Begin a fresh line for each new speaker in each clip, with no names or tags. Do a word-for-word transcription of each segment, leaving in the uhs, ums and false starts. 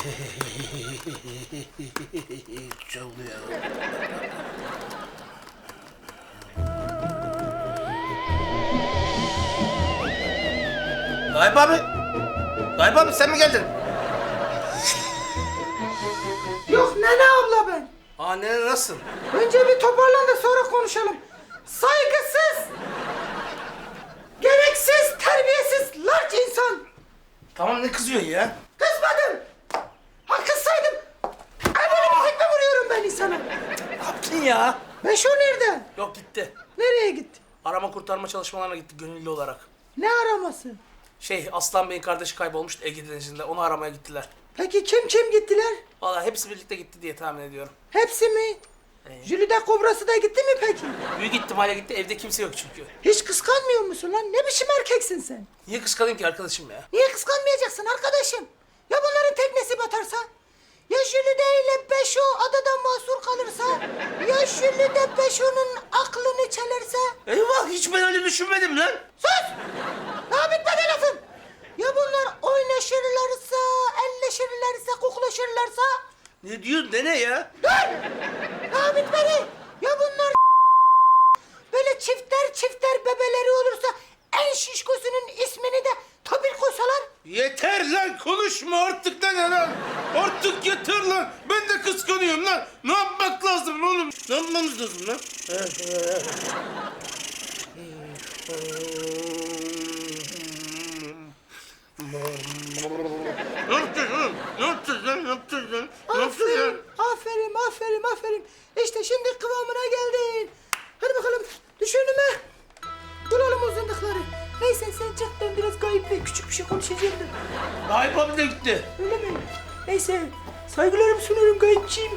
Çalıyor. Gayip abi. Gayip abi sen mi geldin?
Yok Nene abla ben.
Aa ne nasılsın?
Önce bir toparlan da sonra konuşalım. Saygısız, gereksiz, terbiyesiz, larç insan.
Tamam ne kızıyorsun ya?
Kızmadım. Ha kızsaydım. Ay böyle bir tekme vuruyorum ben insana.
Ne yaptın ya?
Beşo nerede?
Yok gitti.
Nereye gitti?
Arama kurtarma çalışmalarına gitti gönüllü olarak.
Ne araması?
Şey Aslan Bey'in kardeşi kaybolmuştu Ege Denizi'nde. Onu aramaya gittiler.
Peki kim kim gittiler?
Vallahi hepsi birlikte gitti diye tahmin ediyorum.
Hepsi mi?
Ee?
Jülide kobrası da gitti mi peki?
Büyük ihtimalle gitti. Evde kimse yok çünkü.
Hiç kıskanmıyor musun lan? Ne biçim erkeksin sen?
Niye kıskanayım ki arkadaşım ya?
Niye kıskanmayacaksın arkadaşım? Ya bunların teknesi batarsa? Ya Jülide ile Beşo adada mahsur kalırsa? Ya Jülide Beşo'nun aklını çelerse?
Eyvah hiç ben öyle düşünmedim lan.
Sus! Daha bitmedi lafım. Ya bunlar oynaşırlarsa, elleşirlerse, koklaşırlarsa?
Ne diyorsun dene ya?
Dur! Daha bitmedi. Ya bunlar böyle çifter çifter bebeleri olursa en şişkosunun ismini de Topil koysalar?
Yeter lan konuşma artık lan lan. Artık yeter lan. Ben de kıskanıyorum lan. Ne yapmak lazım oğlum? Ne yapmamız lazım lan? Ne yapacağız oğlum? Ne yapacağız lan? Ne yapacağız lan? Ne yapacağız lan?
Aferin, aferin, aferin, aferin. İşte şimdi kıvamına geldin. Hadi bakalım düş önüme. Bulalım o zındıkları. Neyse sen çık ben biraz Gayip'le küçük bir şey konuşacağım da.
Gayip abi de gitti.
Öyle mi? Neyse saygılarımı sunuyorum Gayip'ciğim.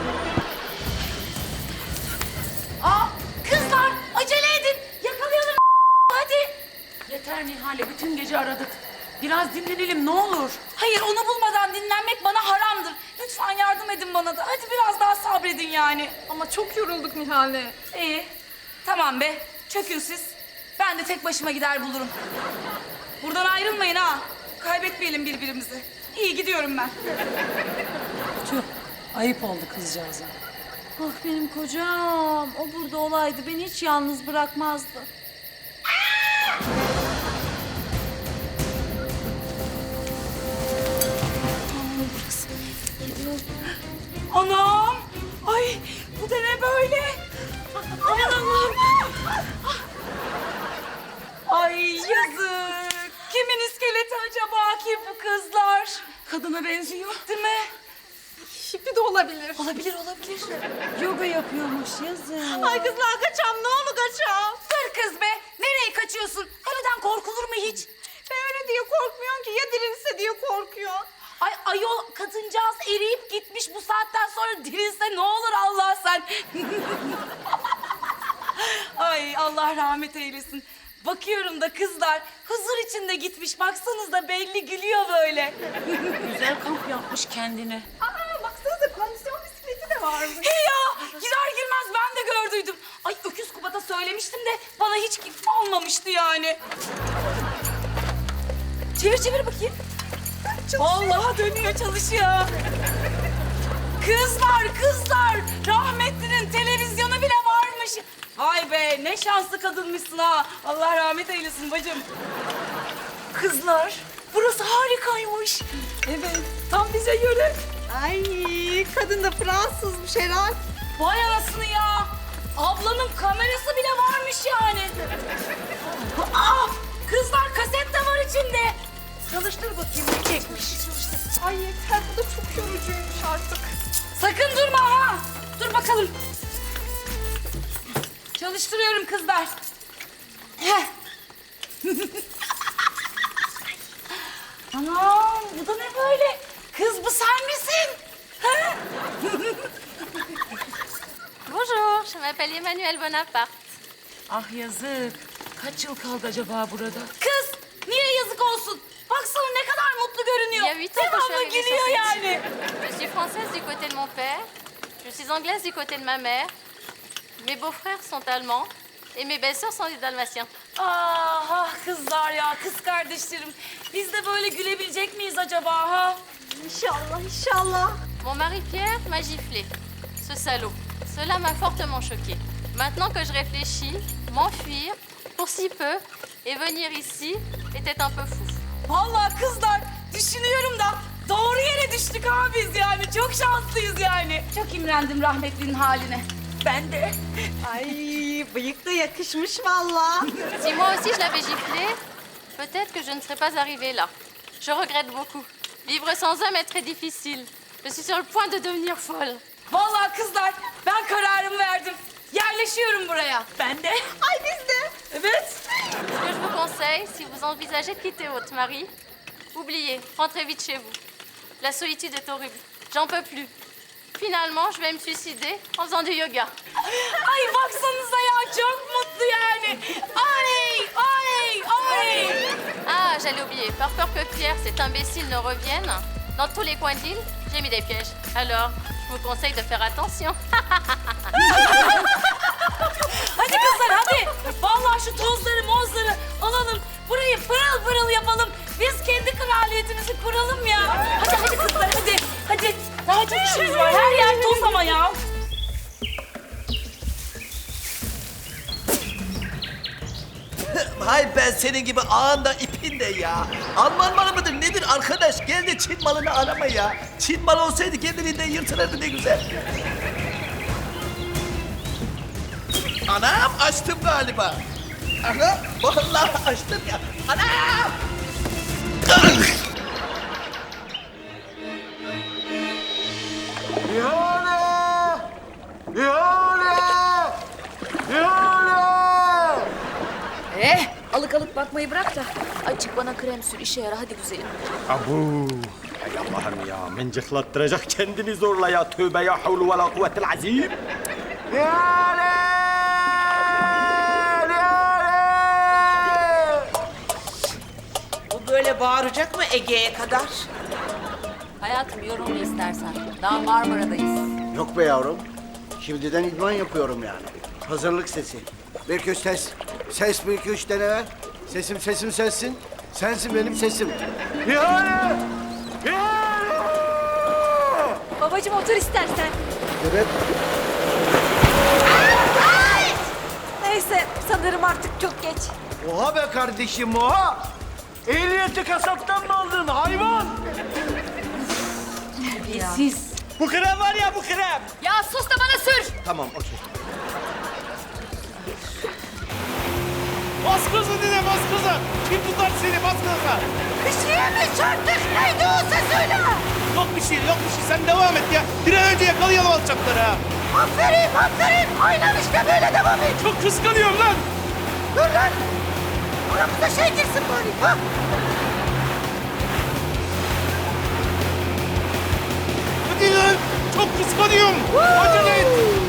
Aa, kızlar acele edin. Yakalayalım hadi. Yeter Nihale, bütün gece aradık. Biraz dinlenelim ne olur. Hayır, onu bulmadan dinlenmek bana haramdır. Lütfen yardım edin bana da. Hadi biraz daha sabredin yani.
Ama çok yorulduk Nihale.
İyi. Tamam be. Çökün siz. Ben de tek başıma gider bulurum. Buradan ayrılmayın ha. Kaybetmeyelim birbirimizi. İyi gidiyorum ben.
Tüh, ayıp oldu kızcağıza.
Ah benim kocam. O burada olaydı beni hiç yalnız bırakmazdı.
Anam! Ay bu da ne böyle? Aman Allah'ım! Ay yazık! Kimin iskeleti acaba ki bu kızlar? Kadına benziyor değil mi?
Şipi de olabilir.
Olabilir olabilir.
Yoga yapıyormuş yazık.
Ay kızlar kaçam ne olur kaçam. Dur kız be nereye kaçıyorsun? Ölüden korkulur mu hiç?
Ben öyle diye korkmuyorum ki ya dirilse diye korkuyor.
Ay ayol kadıncağız eriyip gitmiş bu saatten sonra dirilse ne olur Allah sen. Ay Allah rahmet eylesin. Bakıyorum da kızlar huzur içinde gitmiş. Baksanıza belli gülüyor böyle.
Güzel kamp yapmış kendine.
Aa baksanıza kondisyon bisikleti de varmış.
He ya girer girmez ben de gördüydüm. Ay Öküz Kubat'a söylemiştim de bana hiç olmamıştı yani. Çevir çevir bakayım. Vallahi dönüyor çalışıyor. Kızlar kızlar rahmetlinin televizyonu bile varmış. Vay be ne şanslı kadınmışsın ha. Allah rahmet eylesin bacım. Kızlar burası harikaymış.
Evet tam bize göre. Ay kadın da Fransızmış herhal.
Vay anasını ya. Ablanın kamerası bile varmış yani. Aa, kızlar kaset de var içinde. Çalıştır bakayım ne çekmiş.
Ay yeter bu da çok yorucuymuş artık.
Sakın durma ha. Dur bakalım. Çalıştırıyorum kızlar. Heh. Anam bu da ne böyle? Kız bu sen misin? Ha?
Bonjour, je m'appelle Emmanuel Bonaparte.
Ah yazık. Kaç yıl kaldı acaba burada?
Kız niye yazık olsun? Baksana ne kadar mutlu görünüyor.
Il y a huit ans que je suis
Devamlı
arrivée sur
gülüyor
cette
yani.
île. Je suis française du côté de mon père, je suis anglaise du côté de ma mère. Mes beaux-frères sont allemands et mes belles-sœurs sont des dalmatiens.
Ah, ah kızlar ya, kız kardeşlerim. Biz de böyle gülebilecek miyiz acaba ha?
İnşallah. İnşallah inşallah.
Mon mari Pierre m'a giflé. Ce salaud. Cela m'a fortement choquée. Maintenant que je réfléchis, m'enfuir pour si peu et venir ici était un peu fou.
Vallahi kızlar düşünüyorum da doğru yere düştük ha biz yani. Çok şanslıyız yani. Çok imrendim rahmetlinin haline. Ben de.
Ay bıyık da yakışmış vallahi.
Si moi aussi je l'avais giflé, peut-être que je ne serais pas arrivée là. Je regrette beaucoup. Vivre sans homme est très difficile. Je suis sur le point de devenir folle.
Vallahi kızlar ben kararımı verdim. Yerleşiyorum buraya. Ben de.
Ay biz de.
Evet.
Ce que je vous conseille, si vous envisagez de quitter votre mari, oubliez, rentrez vite chez vous. La solitude est horrible. J'en peux plus. Finalement, je vais me suicider en faisant du yoga.
Ay baksanıza ya çok mutlu yani. Ay ay ay.
Ah, j'allais oublier. Par peur que Pierre, cet imbécile, ne revienne, dans tous les coins de l'île, j'ai mis des pièges. Alors, je vous conseille de faire attention.
Hadi kızlar hadi. Vallahi şu tozları mozları alalım. Burayı pırıl pırıl yapalım. Biz kendi kraliyetimizi kuralım ya. Hadi hadi kızlar hadi. Hadi. Daha çok işimiz var. Her yer toz ama ya.
Hay ben senin gibi ağında ipinde ya. Alman malı mıdır nedir arkadaş? Gel de Çin malını arama ya. Çin malı olsaydı kendiliğinden yırtılırdı ne güzel. Anam açtım galiba. Anam vallahi açtım ya. Anam!
İhale! İhale! İhale!
Eh, alık alık bakmayı bırak da. Açık bana krem sür, işe yara hadi güzelim.
Abu. Hay Allah'ım ya. Mıncıklattıracak kendini zorla ya. Tövbe ya havlu ve la kuvvetel azim.
İhale!
Bu böyle bağıracak mı Ege'ye kadar?
Hayatım yorulma istersen. Daha Marmara'dayız.
Yok be yavrum. Şimdiden idman yapıyorum yani. Hazırlık sesi. Bir iki üç ses. Ses bir iki üç dene ver. Sesim sesim sensin. Sensin benim sesim. İhale! İhale!
Babacığım otur istersen.
Evet.
Neyse sanırım artık çok geç.
Oha be kardeşim oha! Ehliyeti kasaptan mı aldın hayvan?
Siz.
Bu krem var ya bu krem.
Ya sus da bana sür.
Tamam okey.
Bas kızı dine bas kızı. Kim tutar seni bas kızı.
Bir şeye mi çarptık? Neydi o ses öyle?
Yok bir şey yok bir şey sen devam et ya. Bir an önce yakalayalım alçakları ha.
Aferin aferin. Aynen işte böyle devam et.
Çok kıskanıyorum lan.
Dur lan. Aramıza şey girsin bari. Ha?
Hadi lan. Çok kıskanıyorum. Acele et.